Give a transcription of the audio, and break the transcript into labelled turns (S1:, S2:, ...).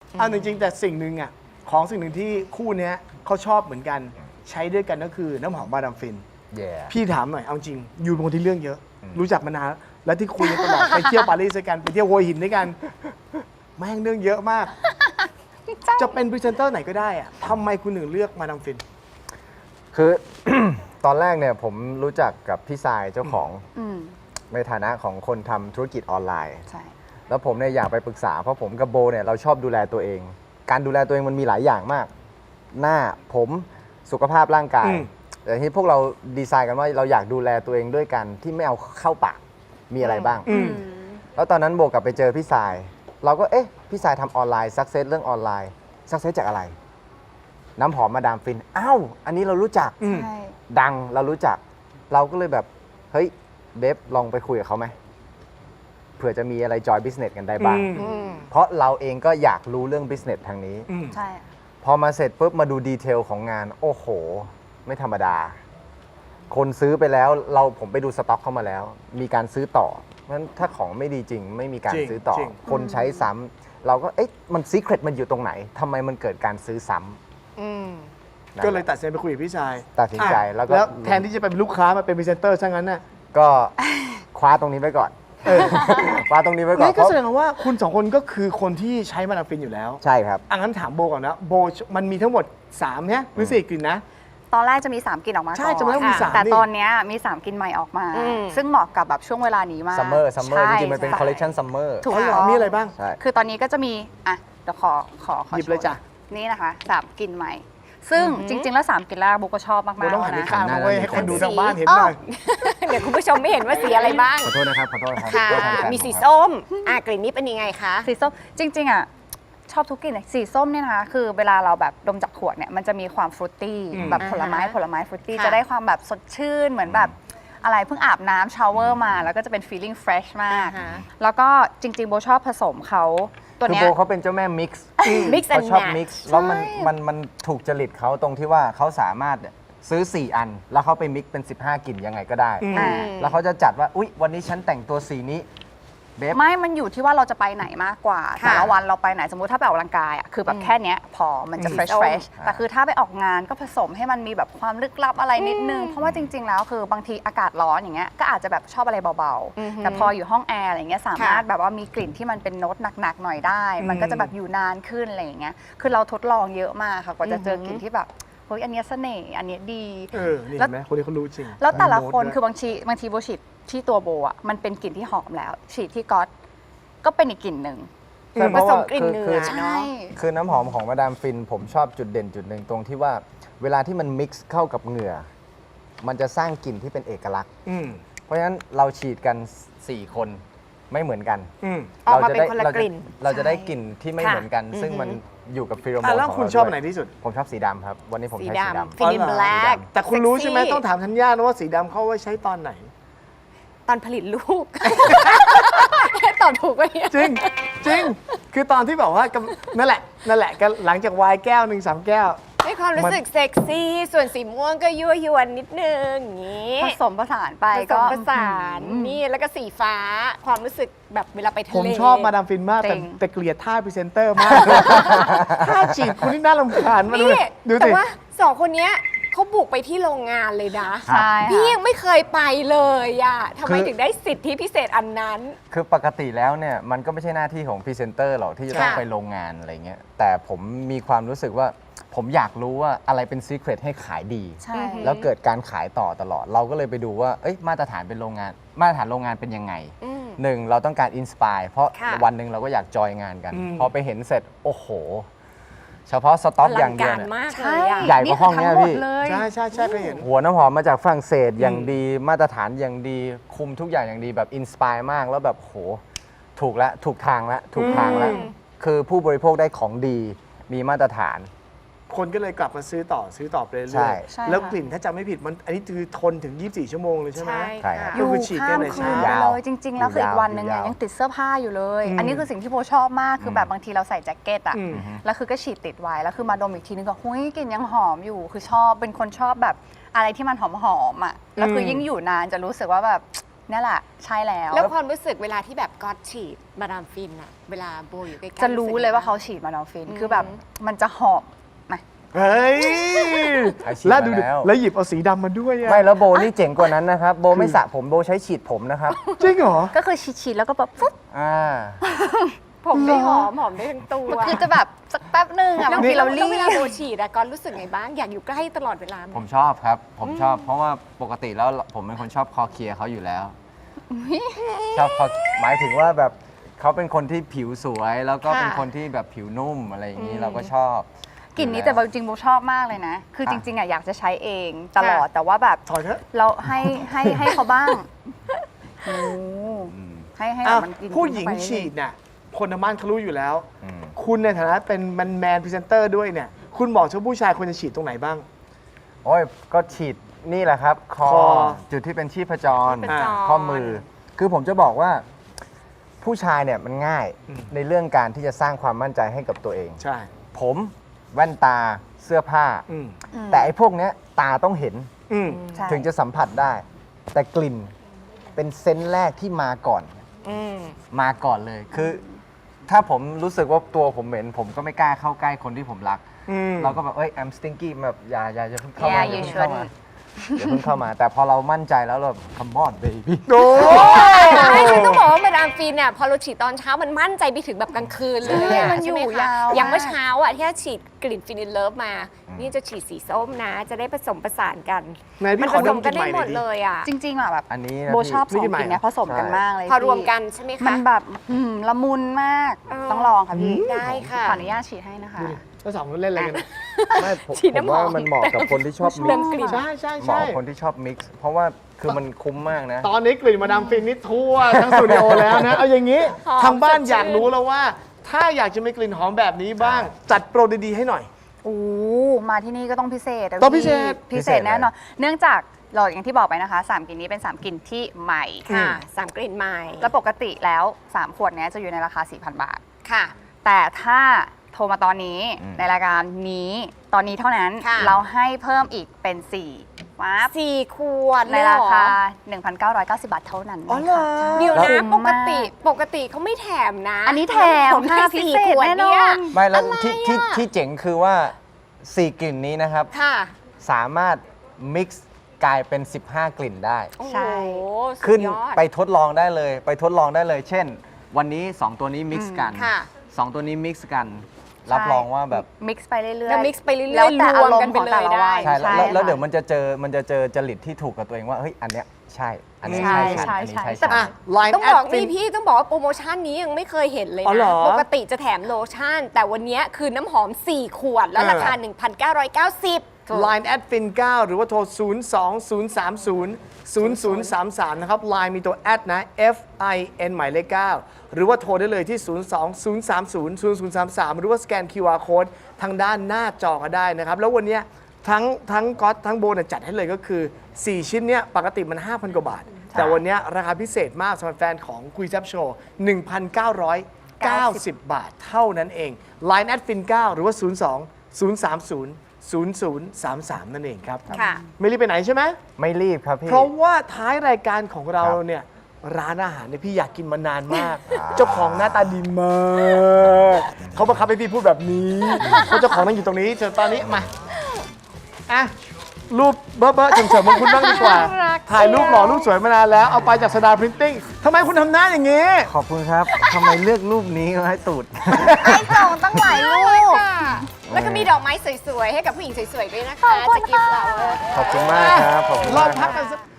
S1: เอาจริงๆแต่สิ่งหนึ่งอ่ะของสิ่งหนึ่งที่คู่เนี้ยเขาชอบเหมือนกันใช้ด้วยกันก็คือน้ำหอมมาดามฟิน พี่ถามหน่อยเอาจริงอยู่เป็นคนที่เรื่องเยอะ รู้จักมานานแล้วที่คุยกันตลอด ไปเที่ยวปารีสด้วยกันไปเที่ยวหัวหินด้วยกันแม่งเรื่องเยอะมาก จะเป็นพรีเซนเตอร์ไหนก็ได้อะทำไมคุณถึงเลือกมาดามฟิน
S2: คือ ตอนแรกเนี่ยผมรู้จักกับพี่ทรายเจ้าของในฐานะของคนทำธุรกิจออนไลน์
S3: ใช่
S2: แล้วผมเนี่ยอยากไปปรึกษาเพราะผมกับโบเนี่ยเราชอบดูแลตัวเอง การดูแลตัวเองมันมีหลายอย่างมาก หน้าผมสุขภาพร่างกาย แต่ที่พวกเราดีไซน์กันว่าเราอยากดูแลตัวเองด้วยกันที่ไม่เอาเข้าปากมีอะไรบ้าง แล้วตอนนั้นโบกลับไปเจอพี่ทราย เราก็เอ๊ะพี่ทรายทำออนไลน์ซักเซสเรื่องออนไลน์ซักเซสจากอะไร น้ำหอมมาดามฟินอ้าวอันนี้เรารู้จัก
S3: ใช่
S2: ดังเรารู้จัก เราก็เลยแบบเฮ้ยเบฟลองไปคุยกับเขาไหมเผื่อจะมีอะไรจอยบิสเนสกันได้บ้าง เพราะเราเองก็อยากรู้เรื่องบิสเนสทางนี้
S3: ใช่
S2: พอมาเสร็จปุ๊บมาดูดีเทลของงาน โอ้โห ไม่ธรรมดา คนซื้อไปแล้วผมไปดูสต็อกเข้ามาแล้ว มีการซื้อต่อเพราะฉะนั้นถ้าของไม่ดีจริง ไม่มีการ
S1: จริง
S2: ซื้อต่อ
S1: จริง
S2: คนใช้ซ้ำเราก็เอ๊ะมันซีเครตมันอยู่ตรงไหนทำไมมันเกิดการซื้อซ้ำนั่นแหะ
S1: ก็เลยตัดสินใจไปคุยกับพี่ชาย
S2: ตัดสินใจ
S1: อ่ะ
S2: แล้วก็
S1: แทนที่จะเป็นลูกค้ามาเป็นพรีเซนเตอร์ซะงั้นน่ะ
S2: ก็ คว้าตรงนี้ไว้ก่อน คว้าตรงนี้ไว้ก่อน
S1: นี่ก็
S2: เพราะ
S1: แสดงว่าคุณสองคนก็คือคนที่ใช้มาดามฟินอยู่แล้ว
S2: ใช่ครับ
S1: อังั้นถามโบก่อนนะโบมันมีทั้งหมด3เนี่ยหรือ4กลิ่นนะ
S3: ตอนแรกจะมี 3กลิ่นออกมา
S1: ใช่
S3: ก่อน
S1: จำได้ว่ามี3
S3: แต่
S1: นี่
S3: ตอนเนี้ยมี 3กลิ่นใหม่ออกมา ซึ่งเหมาะกับแบบช่วงเวลานี้มาก
S2: ซัมเมอร์จ
S3: ใช่
S2: ริงๆมันเป็นคอลเลคชันซัมเมอร์
S3: ถูก
S1: อ๋อเหรอ
S3: ต้อง
S1: มีอะไรบ้าง
S2: ใช่
S3: คือตอนนี้ก็จะมีอ่ะเดี๋ยวขอ
S1: หยิบเลยจ้ะ
S3: นี่นะคะ3กลิ่นใหม่ ซึ่งจริง ๆ แล้ว3กลิ่นแรกโบก็ชอบมาก
S1: โบต้อง
S3: ๆ
S1: หันไป
S3: นะ
S1: ข้างมาไว้ให้คนดูทางบ้านเห็น
S4: อ้า
S1: ห
S4: ว
S1: น่อย
S4: เดี๋ยวคุณผู้ชมไม่เห็นว่าสีอะไรบ้าง
S2: ขอโทษนะครับ ขอโทษครับ
S4: ค่ะ
S2: ขอโทษแทน
S4: มีสีส้มกลิ่นนี้เป็นยังไงคะ
S3: สีส้มจริงๆอ่ะชอบทุกกลิ่นเลยสีส้มเนี่ยนะคะคือเวลาเราแบบดมจากขวดเนี่ยมันจะมีความฟรุตตี้แบบผลไม้ฟรุตตี้
S4: ค่ะ
S3: จะได้ความแบบสดชื่นเหมือนแบบอะไรเพิ่งอาบน้ำชาวเวอร์มา แล้วก็จะเป็น feeling fresh มาก
S4: อ่าฮะ
S3: แล้วก็จริงๆโบชอบผสมเขาตัว
S2: คือ
S3: เนี้
S2: โบ
S3: ย
S2: เขาเป็นเจ้าแม่มิกซ์
S4: Mix
S2: เขา
S4: and
S2: ชอบ
S4: match
S2: มิกซ์แล้วมันถูกจริตเขาตรงที่ว่าเขาสามารถซื้อ 4 อัน แล้วเขาไปมิกซ์เป็น 15 กลิ่นยังไงก็ได้
S3: อ่า
S2: แล้วเขาจะจัดว่า อุ๊ย วันนี้ฉันแต่งตัวสีนี้เบฟ
S3: ไม่มันอยู่ที่ว่าเราจะไปไหนมากกว่า
S4: ค่ะ
S3: แต่ละวันเราไปไหนสมมุติถ้าไปออกกำลังกายอ่ะคือแบบแค่เนี้ยพอมันจะ fresh
S4: ส้ม
S3: fresh แต่คือถ้าไปออกงานก็ผสมให้มันมีแบบความลึกลับอะไรนิดนึง เพราะว่าจริง ๆ แล้วคือบางทีอากาศร้อนอย่างเงี้ยก็อาจจะแบบชอบอะไรเบาๆ แต่พออยู่ห้องแอร์อะไรเงี้ยสามารถแบบว่ามีกลิ่นที่มันเป็นโน้ตหนักๆหน่อยได้ มันก็จะแบบอยู่นานขึ้นอะไรอย่างเงี้ยคือเราทดลองเยอะมากค่ะกว่าจะเจอกลิ่นที่แบบเฮ้ยอันเนี้ยเสน่ห์อันเนี้ยดี
S1: นี่เห็นไหมคนนี้เขารู้จริง
S3: แล้วแต่ละคน
S1: โน้ตด้วย
S3: คือบางทีโบฉีดที่ตัวโบอ่ะมันเป็นกลิ่นที่หอมแล้วฉีดที่ก๊อตก็เป็นอีกกลิ่นหนึ่ง
S2: ใช่
S4: ผ
S2: เพราะ
S4: ส
S2: ว่าม
S4: กลิ่น
S2: คือ
S4: เนื้อ
S3: ใช่
S4: เนาะ
S2: คือน้ำหอมของมาดามฟิน ผมชอบจุดเด่นจุดหนึ่งตรงที่ว่าเวลาที่มันมิกซ์เข้ากับเหงื่อ มันจะสร้างกลิ่นที่เป็นเอกลักษณ์
S1: อืม
S2: เพราะฉะนั้นเราฉีดกัน 4 คนไม่เหมือนกัน
S1: อืม
S4: ออกมาเป็นคนละกลิ่น
S2: เราจะได้กลิ่นที่ไม่
S4: ค่ะ
S2: เหมือนกัน ซึ่งมันอยู่กับฟิโรโม
S1: อ่ะ
S2: น
S1: แล้ว
S2: ของ
S1: คุณ
S2: เรา
S1: ชอบ
S2: ด้วย
S1: อันไหนที่สุด
S2: ผมชอบสีดำครับ วันนี้ผม
S4: สี
S2: ใช้สี
S4: ดำ
S2: ดำ
S4: ฟินิน
S1: อ๋อเหรอ
S4: แบล็ก
S1: แต่คุณรู้ใช่ไหมต้องถามธัญญานะว่าสีดำเขาไว้ใช้ตอนไหน
S4: ตอนผลิตลูก ตอบถูกไหมเนี่ย
S1: จริงจริงคือตอนที่แบบว่ากำนั่นแหละก็หลังจากไวน์แก้วหนึ่ง3 แก้ว
S4: ให้ความรู้สึกเซ็กซี่ ส่วนสีม่วงก็ยั่วยวนนิดนึงอย่างนี้
S3: ผสมผสานไป
S4: ผส
S3: ก็
S4: มผสานนี่แล้วก็สีฟ้าความรู้สึกแบบเวลาไปทะเล
S1: ผมชอบมาดามฟินมาก
S3: จริง
S1: แต่เกลียดท่าพรีเซนเตอร์มาก ท่าจีบคุณนี่น่ารำคาญมากเล
S4: นี่
S1: ยดู
S4: แต่
S1: สิ
S4: ว่าสองคนเนี้ยเขาบุกไปที่โรงงานเลยนะ
S3: ใช่
S4: พี่
S3: ค่ะ
S4: ยังไม่เคยไปเลยอะทำไม
S2: คือ
S4: ถึงได้สิทธิพิเศษอันนั้น
S2: คือปกติแล้วเนี่ยมันก็ไม่ใช่หน้าที่ของพรีเซนเตอร์หรอกที่จะต้อง
S4: ค่ะ
S2: ไปโรงงานอะไรเงี้ยแต่ผมมีความรู้สึกว่าผมอยากรู้ว่าอะไรเป็นซีเครตให้ขายดี
S3: ใช่
S2: แล้วเกิดการขายต่อตลอด เราก็เลยไปดูว่าเอ้ยมาตรฐานเป็นโรงงาน มาตรฐานโรงงานเป็นยังไง
S4: อืม
S2: หนึ่งเราต้องการอินสปายเพราะ
S4: ค่ะ
S2: วันหนึ่งเราก็อยากจอยงานกัน
S1: อืม
S2: พอไปเห็นเสร็จ โอ้โห เฉพาะสต็อกอย่างเดียว
S4: ลัง
S2: เนี่ย
S4: การมากเล
S3: ใช่
S4: ยอะ
S2: ใหญ่กว่าห้องเนี่ย
S3: ทั้หมด
S2: พี่
S3: เลย
S1: ใช่เคยเห็น
S2: หัวน้ำหอมมาจากฝรั่งเศสอย่างดี มาตรฐานอย่างดี คุมทุกอย่างอย่างดีแบบอินสปายมากแล้วแบบโหถูกแล้วถูกทางแล้วถูกทางแล้ว คือผู้บริโภคได้ของดีมีมาตรฐาน
S1: คนก็เลยกลับมาซื้อต่อไปเรื่
S2: ใช่
S1: อย
S3: ใช่
S1: ๆแล้ว
S3: ค่ะ
S1: กลิ่นถ้าจำไม่ผิดมันอันนี้คือทนถึง 24 ชั่วโมงเลยใช่ไหม
S2: ใช่ครับ
S3: อยู่
S1: คือฉีดกั
S3: ข้าน ม
S1: ใน
S3: คื
S1: เช้า
S3: นไป
S2: ยาว
S3: เลยจริง ๆ แล้วคืออีกวันหนึ่งเนี่ย
S2: ยาว
S3: ยังติดเสื้อผ้าอยู่เลย
S1: อืม
S3: อันนี้คือสิ่งที่โบชอบมากคือแบบบางทีเราใส่แจ็คเก็ตอ่ะ
S1: อืม
S3: แล้วคือก็ฉีดติดไว้แล้วคือมาดมอีกทีนึงก็หุ้ยกลิ่นยังหอมอยู่คือชอบเป็นคนชอบแบบอะไรที่มันหอมๆอ่ะแล้วคือยิ่งอยู่นานจะรู้สึกว่าแบบเนี่ยแหละใช่แล้ว
S4: แล้วความรู้สึกเวลาที่แบบก๊อตฉีดมาดามฟินอะเวลาโบอยู่ใกล้ๆ
S3: จะรู้เลยว่าเขาฉีดมาดามฟินคือแบบมันจะหอมนะ
S1: เฮ้ย
S2: อาชีพ
S1: แล้วดู
S2: มาแล้ว
S1: แล้วหยิบเอาสีดำมาด้วยอะ
S2: ไม่แล้วโบนี่เจ๋งกว่านั้นนะครับ โบไม่สระผมโบใช้ฉีดผมนะครับ
S1: จริงเหรอ
S3: ก็คือฉีดๆแล้วก็แบบปุ๊บ
S2: อ่า
S4: ผมได้หอมได้ทั้งตัว
S3: มันคือจะแบบสักแป๊บนึงอะ
S4: แล้ว
S3: บางทีเรารี
S4: เวลา
S3: บ
S4: โบฉีดอะก๊อตรู้สึกไงบ้างอยากอยู่ใกล้ตลอดเวลาไหม
S2: ผมชอบครับ ผมชอบ เพราะว่าปกติแล้วผมเป็นคนชอบคอเคลียร์เขาอยู่แล้ว ชอบคอหมายถึงว่าแบบเขาเป็นคนที่ผิวสวย แล้วก็เป็นคนที่แบบผิวนุ่มอะไรอย่างนี้เราก็ชอบ
S3: กลิ่นนี้แต่จริงๆโบชอบมากเลยนะ คือจริงๆอะอยากจะใช้เองตลอด
S4: ค่ะ
S3: แต่ว่าแบบ
S1: ถอยเถอะ
S3: เราให้เขาบ้างโอ้ให้แบบมันกิน
S1: ผู้หญิง
S3: เข้าไป
S1: ฉีดเนี่ยคนทางบ้านเขารู้อยู่แล้ว
S2: อืม
S1: คุณในฐานะเป็นแมนพรีเซนเตอร์ด้วยเนี่ย คุณบอกชาวผู้ชายควรจะฉีดตรงไหนบ้าง
S2: โอ้ยก็ฉีดนี่แหละครับ คอ
S1: คอ
S2: จุดที่เป็นชีพจร
S4: ชีพจร
S2: ข้อมือ คือผมจะบอกว่าผู้ชายเนี่ยมันง่าย
S1: อืม
S2: ในเรื่องการที่จะสร้างความมั่นใจให้กับตัวเอง
S1: ใช่
S2: ผมแว่นตาเสื้อผ้า
S1: อืม
S2: แต่ไอ้พวกเนี้ยตาต้องเห็น
S1: อืม
S3: ใช่
S2: ถึงจะสัมผัสได้ แต่กลิ่นเป็นเซนส์แรกที่มาก่อน มาก่อนเลย คือ ถ้าผมรู้สึกว่าตัวผมเหม็น ผมก็ไม่กล้าเข้าใกล้คนที่ผมรัก
S1: อืม
S2: เราก็แบบI'm stinky แบบอย่าเพิ่งเข้ามา
S3: Yeah,
S2: อย่า
S3: you
S2: เพิ่งเข้ามา
S3: shouldn't
S2: อย่าเพิ่งเข้ามา แต่พอเรามั่นใจแล้วเรา come on baby
S1: โอ้
S4: ใช่ฉันต้องบอกว่ามาดามฟินเนี่ยพอเราฉีดตอนเช้ามันมั่นใจไปถึงแบบกลางคืนเลย
S3: ใช่
S4: อะ
S3: มันอยู่
S4: ใช่ไหคะ
S3: ยาว
S4: อย่างเมื่อ
S3: มาก
S4: เช้าอ่ะที่ฉีดกลิ่นฟินิลเลิฟมา นี่จะฉีดสีส้มนะ จะได้ผสมผสานกัน
S1: ไหนพี่
S4: มัน
S1: ข
S4: ผ
S1: อ
S4: ส
S1: ด
S4: ม
S1: ม
S4: กัน
S1: กลิ่น
S4: ได้
S1: ใหม่
S4: ห
S1: ห
S4: ม
S1: น่อยดิ
S4: ดเลยอ่ะ
S3: จริงๆอะแบบ
S2: อันนี้นะ
S3: โบชอบ
S2: พี่
S3: สอง
S1: นี่กินใหม่
S3: กลิ่นเนี้ยผสมกัน
S2: ใช่
S3: มากเลย
S4: พอรวม
S3: พี่
S4: กันใช่ไหม
S3: มั
S4: คะ
S3: นแบบละมุนมาก
S4: เออ
S3: ต้องลองค่ะพี่
S4: ได้ค่ะ
S3: ขออนุญาตฉีดให้นะคะ
S1: แล้วสองคนเล่นอะไรกันเนี่ย
S2: ไม่ผม
S4: ฉีด
S2: ผม
S4: น้ำหอ
S2: ว่าม มันเหมาะกับคนที่ชอบ
S4: เรื่
S2: มิ
S4: อก ง
S2: ซ์
S4: กลิ่น
S1: ใช่ใช่
S2: เหมาะ
S1: ใช่
S2: กับคนที่ชอบมิกซ์เพราะว่าคือมันคุ้มมากนะ
S1: ตอนนี้กลิ่นมาดามฟินนี่ทั่วทั้งสตูดิโอแล้วนะ เอาอย่างนี้
S4: หอม
S1: ทางบ้าน
S4: สดชื่น
S1: อยากรู้แล้วว่า ถ้าอยากจะมีกลิ่นหอมแบบนี้บ้าง จัดโปรดีๆให้หน่อย
S3: โอ้มาที่นี่ก็ต้องพิเศษะ
S1: ต้องพิเศษ
S3: พี่พิเศษแน่นอน เนื่องจากเราอย่างที่บอกไปนะคะ 3 กลิ่นนี้เป็น 3 กลิ่นที่ใหม่
S4: ค่ะสามกลิ่นใหม่
S3: แล้วปกติแล้ว 3 ขวดเนี้ยจะอยู่ในราคา 4,000 บาท
S4: ค่ะ
S3: แต่ถ้าโทรมาตอนนี้
S2: อืม
S3: ในรายการนี้ตอนนี้เท่านั้น
S4: ค่ะ
S3: เราให้เพิ่มอีกเป็น4ว้าบ
S4: 4 ขวด
S3: ใน
S4: เลยเห
S3: ราคา
S4: อ
S3: 1,990 บาทเท่านั้น
S1: อ๋อเหรอ
S3: ใช่
S4: เดี๋ยว
S3: คุ้
S4: นะ
S3: ม
S4: ปกติเขาไม่แถมนะ
S3: อันนี้แถม
S4: ผม
S3: ค่ะ
S4: ให้
S3: พิ
S4: สี่
S3: เศษ
S4: ขวด
S3: แน่น
S4: เนี่
S3: อย น
S2: ไม่แล้ว
S4: อะไร
S2: ที่
S4: อะ
S2: ที่เจ๋งคือว่า 4 กลิ่นนี้นะครับ
S4: ค่ะ
S2: สามารถมิกซ์กลายเป็น 15 กลิ่นได้
S4: โอ้โห
S3: ใช่
S4: สุ
S2: ขึ้
S4: ด
S2: น
S4: ยอด
S2: ไปทดลองได้เลย ไปทดลองได้เลย เช่น วันนี้ 2 ตัวนี้มิกซ์กัน
S4: ค่ะ
S2: 2 ตัวนี้มิกซ์กัน รับรองว่าแบบ
S3: มิกซ์ไปเรื่อยๆ
S4: แล้ว mix ไปเรื่อยๆ
S3: แล้วแต่
S4: รวม
S3: อารม
S4: กัน
S3: ณ์
S4: ไป
S3: ของแต่ละ
S4: เลยได้
S3: วัน
S2: ใช่แล้วเดี๋ยว
S3: ค่ะ
S2: มันจะเจอจริตที่ถูกกับตัวเองว่าเฮ้ยอันเนี้ยใช่ อันนี้
S3: ใช่
S2: ใช่ฉัน
S3: ใช่
S2: อันนี้
S3: ใช่
S2: ใช่ฉัน
S1: อ่ะ Line
S4: ต้องบอก
S1: at
S4: นี่
S1: Fin
S4: พี่ต้องบอกว่าโปรโมชั่นนี้ยังไม่เคยเห็นเลย
S1: อ๋อเหร
S4: นะ
S1: อ
S4: ปกติจะแถมโลชั่น แต่วันนี้คือน้ำหอม 4 ขวด แล้วราคา 1,990
S1: Line at fin 9หรือว่าโทร 020300033 นะครับ Line มีตัว at นะ FIN หมายเลข 9 หรือว่าโทรได้เลยที่ 020300033 หรือว่าสแกน QR code ทางด้านหน้าจอก็ได้นะครับ แล้ววันเนี้ยทั้งก๊อตทั้งโบเนี่ยจัดให้เลยก็คือ 4 ชิ้นเนี้ยปกติมัน 5,000 กว่าบาท แต่วันเนี้ยราคาพิเศษมากสำหรับแฟนของคุยแซบโชว์ 1,990 บาทเท่านั้นเอง Line at fin 9หรือว่า 0033 นั่นเองครับ
S4: ค่ะ
S1: ไม่รีบไปไหนใช่ไหม
S2: ไม่รีบครับพี่
S1: เพราะว่าท้ายรายการของเรา
S2: ครับ
S1: เนี่ย ร้านอาหารเนี่ยพี่อยากกินมานานมาก เจ้าของหน้าตาดีมาก เขาบังคับให้พี่พูดแบบนี้เพราะเจ้าของนั่งอยู่ตรงนี้เชิญตอนนี้มาอ่ะรูปเบ้อๆเฉิมๆของคุณบ้างดีกว่า ถ่ายรูปหล่อรูปสวยมานานแล้ว เอาไปจากสดาพรินติ้งทำไมคุณทำหน้าอย่างนี้
S2: ขอบคุณครับทำไมเลือกรูปนี้มาให้ตูด
S3: ให้ส่งตั้งหลายรูป
S4: ค่ะ แล้วก็มีดอกไม้สวยๆ ให้กับผู้หญิงสวยๆ ด้วยนะคะ
S3: ขอบคุณ
S4: จากกิฟต์เรา
S2: ขอบคุณมากครับ ขอบคุณ
S1: ลอง
S2: มากค
S1: พั
S2: รั
S1: ก
S2: บ
S1: กันสัก